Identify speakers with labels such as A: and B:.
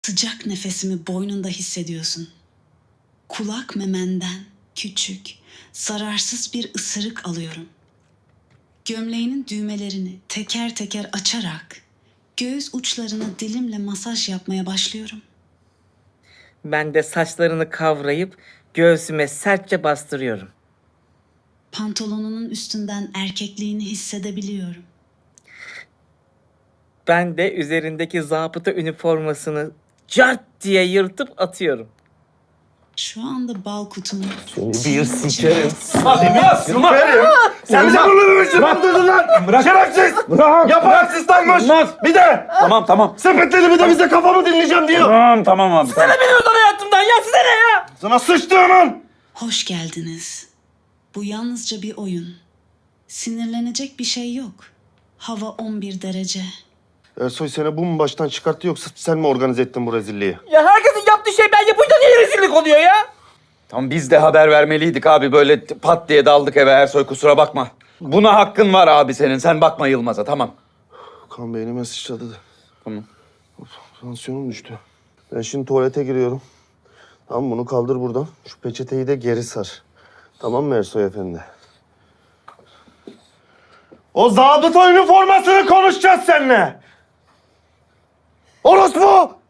A: Sıcak nefesimi boynunda hissediyorsun. Kulak memenden küçük, zararsız bir ısırık alıyorum. Gömleğinin düğmelerini teker teker açarak göğüs uçlarına dilimle masaj yapmaya başlıyorum.
B: Ben de saçlarını kavrayıp göğsüme sertçe bastırıyorum.
A: Pantolonunun üstünden erkekliğini hissedebiliyorum.
B: Ben de üzerindeki zabıta üniformasını cart diye yırtıp atıyorum.
A: Şu anda bal kutumu...
C: Bir sikerim.
D: Sikerim. Sen bize bunu mu öldürdün lan?
C: Bırak.
D: Şerefsiz.
C: Bırak.
D: Yapar asistanmış.
C: Olmaz.
D: Bir de
C: Tamam.
D: sepetledi bir de bize kafamı dinleyeceğim diyor.
C: Tamam abi.
B: Sana benim özel hayatımdan ya size ne ya?
D: Sana sıçtı hemen.
A: Hoş geldiniz. Bu yalnızca bir oyun. Sinirlenecek bir şey yok. Hava 11 derece.
D: Ersoy seni bu mu baştan çıkarttı yoksa sen mi organize ettin bu rezilliği?
B: Ya herkesin yaptığı şey ben yapınca niye rezillik oluyor ya?
C: Tamam biz de haber vermeliydik abi. Böyle pat diye daldık eve Ersoy, kusura bakma. Buna hakkın var abi senin. Sen bakma Yılmaz'a, tamam.
D: Kan beynime sıçradı da.
C: Tamam.
D: Tansiyonum düştü. Ben şimdi tuvalete giriyorum. Tamam bunu kaldır buradan. Şu peçeteyi de geri sar. Tamam mı Ersoy efendi? O zabıta üniformasını konuşacağız seninle. Orospu!